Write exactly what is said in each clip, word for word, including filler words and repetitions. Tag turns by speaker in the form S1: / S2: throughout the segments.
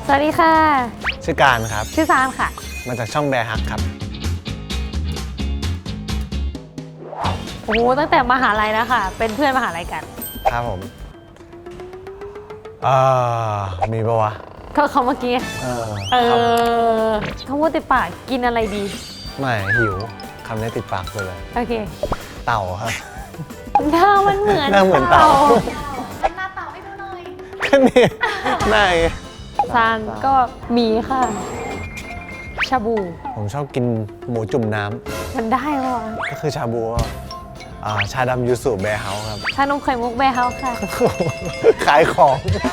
S1: สวัสดีค่ะ
S2: ชื่อการครับ
S1: ชื่อซานค่ะ
S2: มาจากช่องแบร์ฮักครับ
S1: โอ้โหตั้งแต่มหาลัยแล้วค่ะเป็นเพื่อนมหาลัยกัน
S2: ครับผมเอ่อมีปะวะ
S1: ก็เขาเมื่อกี้
S2: เออ
S1: เออเขาพูดติดปากกินอะไรดี
S2: ไม่หิวคำนี้ติดปากเลย
S1: โอเค
S2: เต่าครับ
S1: หน้ามันเหมือน
S2: หน้าเหมือนเต่า
S1: หน้าเต่าให้ดูหน่อย
S2: ก็นี่หน้า
S1: ซานก็มีค่ะชาบู
S2: ผมชอบกินหมูจุ่มน้ำ
S1: มันได้ปะวะ
S2: ก็คือชาบูอ่าชาดำยูสุแบร์เฮาส์ครับ
S1: ชานมไข่มุกแบร์เฮาส์ค่ะ
S2: ขายของ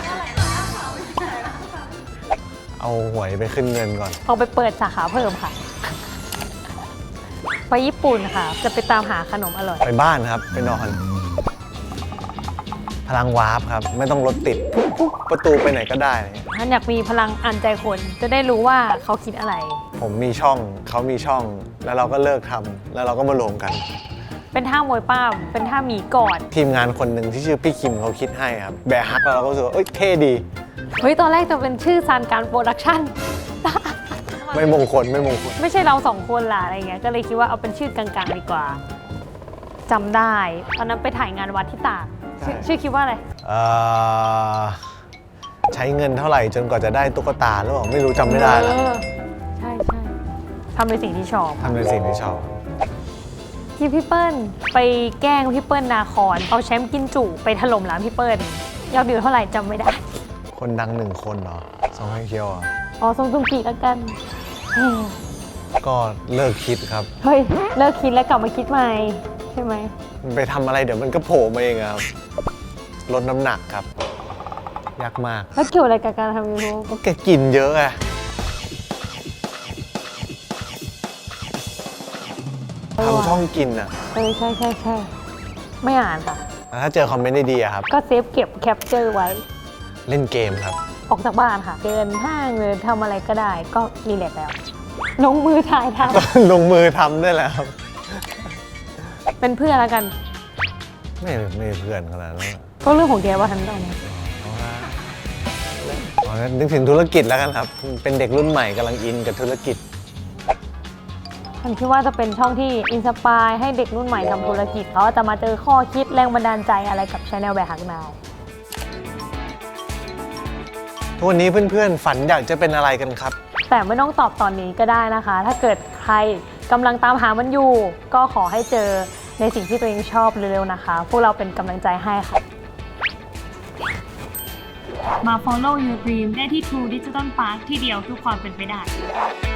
S2: เอาหวยไปขึ้นเงินก่อน
S1: เอาไปเปิดสาขาเพิ่มค่ะไปญี่ปุ่นค่ะจะไปตามหาขนมอร่อย
S2: ไปบ้านครับไปนอนพลังวาร์ปครับไม่ต้องรถติดปุ๊บประตูไปไหนก็ได้
S1: ท่านอยากมีพลังอ่านใจคนจะได้รู้ว่าเขาคิดอะไร
S2: ผมมีช่องเขามีช่องแล้วเราก็เลิกทำแล้วเราก็มารวมกัน
S1: เป็นท่ามวยป้ามเป็นท่าหมีกอด
S2: ทีมงานคนหนึ่งที่ชื่อพี่คิมเขาคิดให้ครับแบร์ฮักเราก็รู้สึกว่าเอ้ยเท่ดี
S1: เฮ้ยตอนแรกจะเป็นชื่อซานการโปรดักชั่น
S2: ไม่มงคลไม่มงคล
S1: ไม่ใช่เราสองคนล่ะอะไรเงี้ยก็เลยคิดว่าเอาเป็นชื่อกลางๆดีกว่าจำได้ตอนนั้นไปถ่ายงานวัดที่ตากชื่อคิดว่าอะไร
S2: เอ่อใช้เงินเท่าไหร่จนกว่าจะได้ตุ๊กตาหรือเปล่าไม่รู้จำไม่ได้แล้ว
S1: ใช่ใช่ทำในสิ่งที่ชอบ
S2: ทำในสิ่งที่ชอบ
S1: ที่พี่เปิ้ลไปแกล้งพี่เปิ้ลนาคอนเอาแชมป์กินจุไปถล่มร้านพี่เปิ้ลยอดวิวเท่าไหร่จำไม่ได้
S2: คนดังหนึ่งคนเหรอซองไฮเคียวอ่ะ
S1: อ๋อทรงจุงกีแล้วกัน
S2: ก็เลิกคิดครับ
S1: เฮ้ยเลิกคิดแล้วกลับมาคิดใหม่ใช่ไหม
S2: มันไปทำอะไรเดี๋ยวมันก็โผล่มาเองครับลดน้ำหนักครับยากมาก
S1: แล้วเกี่ยวอะไรกับการทำยูทูบ
S2: ก็แกกินเยอะไงทำช่องกินอ่ะ
S1: เออใช่ใช่ใช่ไม่อ่านค่ะ
S2: ถ้าเจอคอมเมนต์ดีๆครับ
S1: ก็เซฟเก็บแคปเจอร์ไว้
S2: เล่นเกมครับ
S1: ออกจากบ้านค่ะเดินห้างหรือทำอะไรก็ได้ก็รีแลกซ์แล้วลงมือถ่ายท
S2: ำลงมือทำได้แล้วครับ
S1: เป็นเพื่อนแล้วกัน
S2: ไม่ไม่เพื่อนขนาดนั้น
S1: ก็เรื่องของแกว่าทันได้ไหม
S2: อ๋อนึกถึงธุรกิจแล้วกันครับเป็นเด็กรุ่นใหม่กำลังอินกับธุรกิจ
S1: ฉันคิดว่าจะเป็นช่องที่อินสปายให้เด็กรุ่นใหม่ทำธุรกิจเขาจะมาเจอข้อคิดแรงบันดาลใจอะไรกับ Channel แบร์ฮักนาว
S2: ทุกวันนี้เพื่อนๆฝันอยากจะเป็นอะไรกันครับ
S1: แต่ไม่ต้องตอบตอนนี้ก็ได้นะคะถ้าเกิดใครกำลังตามหามันอยู่ก็ขอให้เจอในสิ่งที่ตัวเองชอบเร็วๆนะคะพวกเราเป็นกำลังใจให้ค่ะมา follow your dream ได้ที่ True Digital Park ที่เดียวทุกความเป็นไปได้